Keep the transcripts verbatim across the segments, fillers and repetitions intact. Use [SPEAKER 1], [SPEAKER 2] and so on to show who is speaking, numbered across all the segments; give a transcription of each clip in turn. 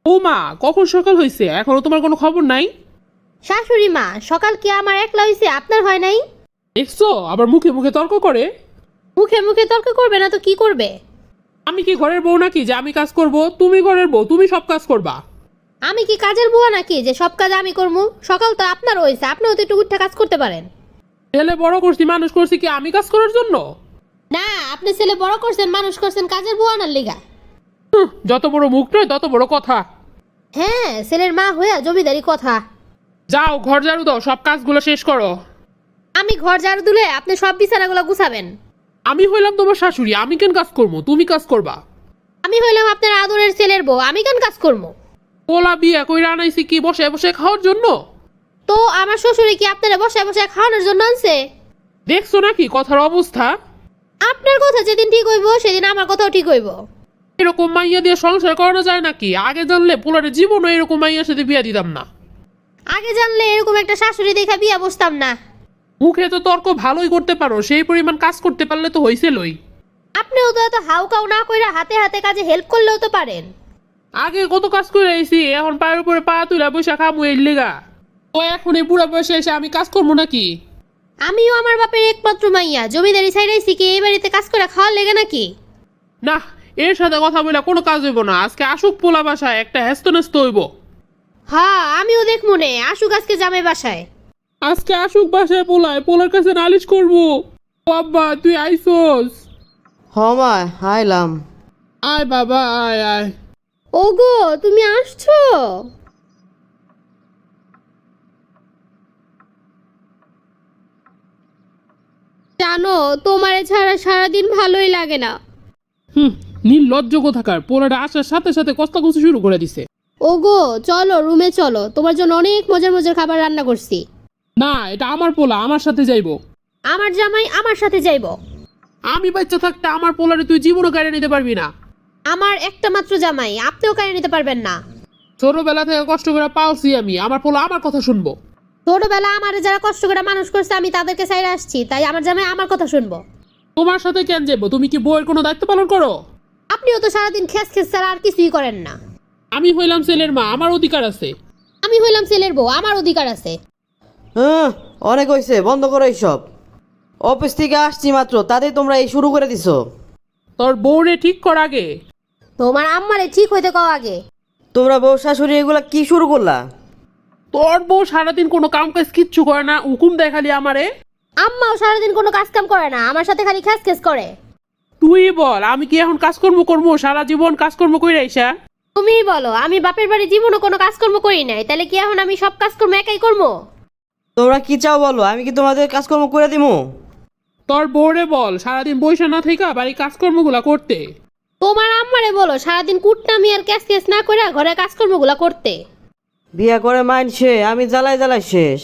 [SPEAKER 1] ও মা, কখন সকাল হয়েছে এখনো তোমার কোনো খবর নাই?
[SPEAKER 2] শাশুড়ি মা, সকাল কি আমার একলা হয়েছে, আপনার হয় নাই?
[SPEAKER 1] দেখছো আবার মুখে মুখে তর্ক করে।
[SPEAKER 2] মুখে মুখে তর্ক করবে না তো কি করবে?
[SPEAKER 1] আমি কি ঘরের বউ নাকি যে আমি কাজ করব? তুমি ঘরের বউ, তুমি সব কাজ করবা।
[SPEAKER 2] আমি কি কাজের বুয়া নাকি যে সব কাজ আমি করবো? সকাল তো আপনার হয়েছে, আপনিও তো একটু উঠে কাজ করতে পারেন।
[SPEAKER 1] ছেলে বড় করছি, মানুষ করছি কি আমি কাজ করার জন্য?
[SPEAKER 2] না, আপনি ছেলে বড় করছেন, মানুষ করছেন কাজের বুয়া আনার লিগা।
[SPEAKER 1] হুঁ, যত বড় মুখ নয় তত বড় কথা।
[SPEAKER 2] হ্যাঁ, ছেলের মা হইয়া জমিদারি কথা।
[SPEAKER 1] যাও ঘর ঝাড়ু দাও, সব কাজগুলো শেষ করো।
[SPEAKER 2] আমি ঘর ঝাড়ু দিলে আপনি সব বিছানাগুলো গুছাবেন।
[SPEAKER 1] আমি হইলাম তোমার শাশুড়ি, আমি কেন কাজ করবো? তুমি কাজ করবা।
[SPEAKER 2] আমি হইলাম আপনার আদরের ছেলের বউ, আমি কেন কাজ করবো?
[SPEAKER 1] পোলা বিয়া কইরা আনাইছি কি বসে বসে খাওয়ার জন্য?
[SPEAKER 2] তো আমার শ্বশুরে কি আপনারা বসে বসে খাওয়ানোর জন্য আনছে?
[SPEAKER 1] দেখছো নাকি কথার অবস্থা?
[SPEAKER 2] আপনার কথা যেদিন ঠিক হইব সেদিন আমার কথাও ঠিক হইব।
[SPEAKER 1] এরকম মাইয়া দিয়ে সংসার করানো যায় নাকি? আগে জানলে পোলারে জীবনও এরকম মাইয়ার সাথে বিয়া দিতাম না।
[SPEAKER 2] আগে জানলে এরকম একটা শাশুড়ি দেখা বিয়া বসতাম না।
[SPEAKER 1] মুখে তো তর্ক ভালোই করতে পারো, সেই পরিমাণ কাজ করতে পারলে তো হইছেলই।
[SPEAKER 2] আপনিও তো এত হাউকাউ না কইরা হাতে হাতে কাজে হেল্প করলেও তো পারেন।
[SPEAKER 1] আগে কত কাজ করে আইছি, এখন পায়ের উপরে পা তুলা বৈশা খামু এর লেগা। ও এখন এই বুড়া বয়সে এসে আমি কাজ করবো নাকি?
[SPEAKER 2] আমিও আমার বাপের একমাত্র মাইয়া, জমিদারি ছাইড়াইছি কি এই বাড়িতে কাজ করে খাওয়ার লেগে নাকি?
[SPEAKER 1] না, এর সাথে কথা বলে কোনো কাজ হইব না। আজকে আসুক পোলা বাসায়, একটা হেস্ত নেস্ত হইব।
[SPEAKER 2] হ্যাঁ, আমিও দেখ মনে আসুক আজকে জামাই বাসায়।
[SPEAKER 1] আজকে আসুক বাসায় পোলায়, পোলার কাছে নালিশ করবো। ও আব্বা, তুই আইসোস?
[SPEAKER 3] হমা আইলাম।
[SPEAKER 1] আয় বাবা, আয় আয়।
[SPEAKER 2] ওগো, তুমি আসছো? জানো, তোমারে ছাড়া সারাদিন ভালোই লাগে না।
[SPEAKER 1] হুম, নির্লজ্জ কোথাকার, পোলাটা আসার সাথে সাথে কস্তাকুচি শুরু করে দিছে।
[SPEAKER 2] ওগো চলো রুমে চলো, তোমার জন্য অনেক মজার মজার খাবার রান্না করছি।
[SPEAKER 1] না, এটা আমার পোলা, আমার সাথে যাইবো।
[SPEAKER 2] আমার জামাই আমার সাথে যাইবো।
[SPEAKER 1] আমি বাচ্চা থাকতে আমার পোলারে তুই জীবনও কেড়ে নিতে পারবি না।
[SPEAKER 2] আমার একটা মাত্র জামাই, আপনিও কারে নিতে পারবেন না।
[SPEAKER 1] ছোটবেলা থেকে কষ্ট করে পালছি আমি, আমার পোলা আমার কথা শুনবো।
[SPEAKER 2] ছোটবেলা আমারে যারা কষ্ট করে মানুষ করছে আমি তাদেরকে ছাইড়া আসছি, তাই আমার জামাই আমার কথা শুনবো।
[SPEAKER 1] তোমার সাথে কেন যাবো? তুমি কি বউয়ের কোনো দায়িত্ব পালন করো?
[SPEAKER 2] আপনিও তো সারাদিন খেস খেস ছাড়া আর কিছুই করেন না।
[SPEAKER 1] আমি হইলাম ছেলের মা, আমার অধিকার আছে।
[SPEAKER 2] আমি হইলাম ছেলের বউ, আমার অধিকার আছে।
[SPEAKER 3] হ্যাঁ, অনেক হয়েছে, বন্ধ করো এইসব। অফিস থেকে আসছি মাত্র, তাতেই তোমরা এই শুরু করে দিছো।
[SPEAKER 1] তোর বউরে ঠিক কর আগে।
[SPEAKER 2] তোমার আম্মারে ঠিক হইতে কও আগে।
[SPEAKER 3] তোমরা বউ শাশুড়ি এগুলা কি শুরু করলা?
[SPEAKER 1] তোর বউ সারাদিন কোনো কাম কাজ কিচ্ছু করে না, হুকুম দেয় খালি আমারে।
[SPEAKER 2] আম্মাও সারাদিন কোনো কাজ কাম করে না, আমার সাথে খালি খেস খেস করে।
[SPEAKER 1] তুই বল, আমি কি এখন কাজকর্ম করবো? সারা জীবন কাজকর্ম করে আইসা।
[SPEAKER 2] তুমিই বলো, আমি বাপের বাড়ি জীবনও কোনো কাজকর্ম করি নাই, তাহলে কি এখন আমি সব কাজকর্ম একাই করবো?
[SPEAKER 3] তোমরা কি চাও বলো, আমি কি তোমাদের কাজকর্ম করে দিমু?
[SPEAKER 1] তোর বউরে বল সারাদিন বইসা না থেকে বাড়ি কাজকর্মগুলা করতে।
[SPEAKER 2] তোমার আম্মারে বলো সারাদিন কুটনামি আর ক্যাস ক্যাস না করে ঘরে কাজকর্মগুলো করতে।
[SPEAKER 3] বিয়া করে মাইনছে, আমি জ্বালাই জ্বালাই শেষ।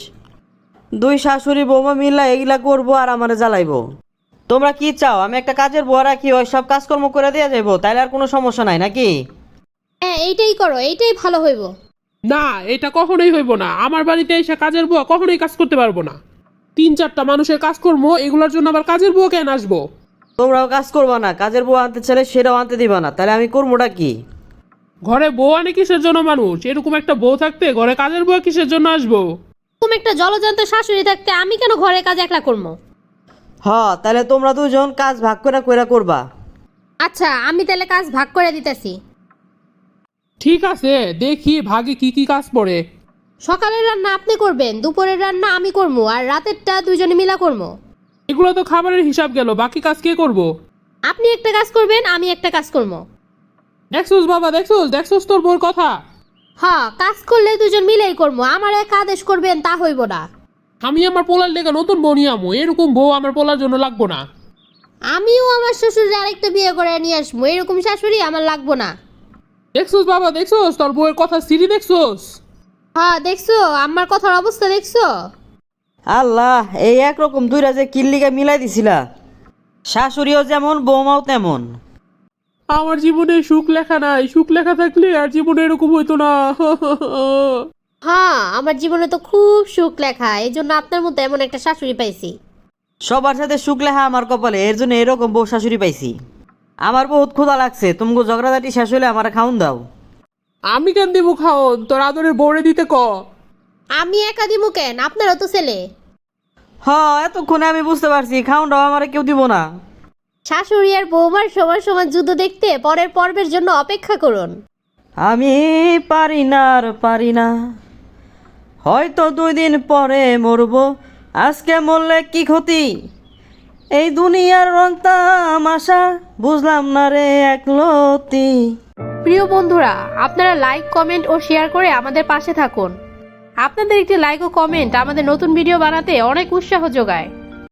[SPEAKER 3] দুই শাশুড়ি বৌমা মিল্লা এগুলা করবো আর আমারে জ্বালাইবো। তোমরা কি চাও আমি একটা কাজের বুয়া রাখি, ওই সব কাজকর্ম করে দেওয়া যাইবো, তাইলে আর কোনো সমস্যা নাই নাকি?
[SPEAKER 2] হ্যাঁ, এইটাই করো, এইটাই ভালো হইব।
[SPEAKER 1] না, এটা কখনোই হইব না। আমার বাড়িতে এসে কাজের বুয়া কখনোই কাজ করতে পারবো না। তিন চারটা মানুষের কাজকর্ম, এগুলোর জন্য আবার কাজের বুয়া কেন আসবো?
[SPEAKER 3] তোমরাও কাজ করবা না, কাজের বুয়া আনতে চাইলে সেটাও আনতে দিবা না, তাহলে আমি করবোটা কি?
[SPEAKER 1] ঘরে বউ আনে কিসের জন্য মানুষ? এরকম একটা বউ থাকতে ঘরে কাজের বুয়া কিসের জন্য আসবো?
[SPEAKER 2] তুমি একটা জলজান্ত শাশুড়ি থাকতে আমি কেন ঘরে কাজ একলা করবো?
[SPEAKER 3] হ, তাহলে তোমরা দুজন কাজ ভাগ করে কইরা করবা।
[SPEAKER 2] আচ্ছা, আমি তাহলে কাজ ভাগ করে দিতেছি।
[SPEAKER 1] ঠিক আছে, দেখি ভাগে কি কি কাজ পড়ে।
[SPEAKER 2] সকালের রান্না আপনি করবেন, দুপুরের রান্না আমি করবো, আর রাতেরটা দুইজনে মিলা করবো।
[SPEAKER 1] এগুলো তো খাবারের হিসাব গেল, বাকি কাজ কে করবো?
[SPEAKER 2] আপনি একটা কাজ করবেন, আমি একটা কাজ করবো।
[SPEAKER 1] দেখছোস বাবা, দেখছোস দেখছোস তোর বউর কথা।
[SPEAKER 2] হ্যাঁ, কাজ করলে দুজন মিলেই করবো, আমার এক আদেশ করবেন তা হইব না।
[SPEAKER 1] আমি আমার পোলার লেগে নতুন বউ নিয়ে আমো, এরকম বউ আমার পোলার জন্য লাগবো না।
[SPEAKER 2] আমিও আমার শ্বশুরের আরেকটা বিয়ে করে নিয়ে আসবো, এরকম শাশুড়ি আমার লাগবো না।
[SPEAKER 1] দেখছোস বাবা, দেখছোস তোর বউয়ের কথা সিরি দেখছোস?
[SPEAKER 2] হ্যাঁ দেখছো, আমার কথার অবস্থা দেখছো?
[SPEAKER 3] আল্লাহ, এই একরকম দুইটা যে কিল্লিকা মিলাই দিছিলা, শাশুড়িও যেমন বৌমাও তেমন।
[SPEAKER 1] আমার জীবনে সুখ লেখা নাই, সুখ লেখা থাকলে আর জীবনে এরকম হইতো না।
[SPEAKER 2] হ্যাঁ, আমার জীবনে তো খুব সুখ লেখা, এই জন্য আপনার মতো এমন একটা শাশুড়ি পাইছি।
[SPEAKER 3] সবার সাথে সুখ লেখা আমার কপালে, এর জন্য এরকম বউ শাশুড়ি পাইছি। আমার বহুত ক্ষুধা লাগছে, তুমি ঝগড়াঝাটি শেষ হলে আমার খাউন দাও।
[SPEAKER 1] আমি কেন দিব খাওন, তোর আদরের বউরে দিতে ক।
[SPEAKER 2] আমি একা দিমু কেন, আপনারও তো ছেলে।
[SPEAKER 3] হ্যাঁ এতক্ষণে আমি বুঝতে পারছি খাউনটাও আমার কেউ দিব না।
[SPEAKER 2] শাশুড়ি আর বৌমার সমান সমান যুদ্ধ দেখতে পরের পর্বের জন্য অপেক্ষা করুন।
[SPEAKER 3] আমি পারি না আর পারি না, হয়তো দুই দিন পরে মরবো, আজকে মরলে কি ক্ষতি, এই দুনিয়ার রং তামাশা বুঝলাম না রে একলতি।
[SPEAKER 2] প্রিয় বন্ধুরা, আপনারা লাইক, কমেন্ট ও শেয়ার করে আমাদের পাশে থাকুন। আপনাদের একটি লাইক ও কমেন্ট আমাদের নতুন ভিডিও বানাতে অনেক উৎসাহ যোগায়।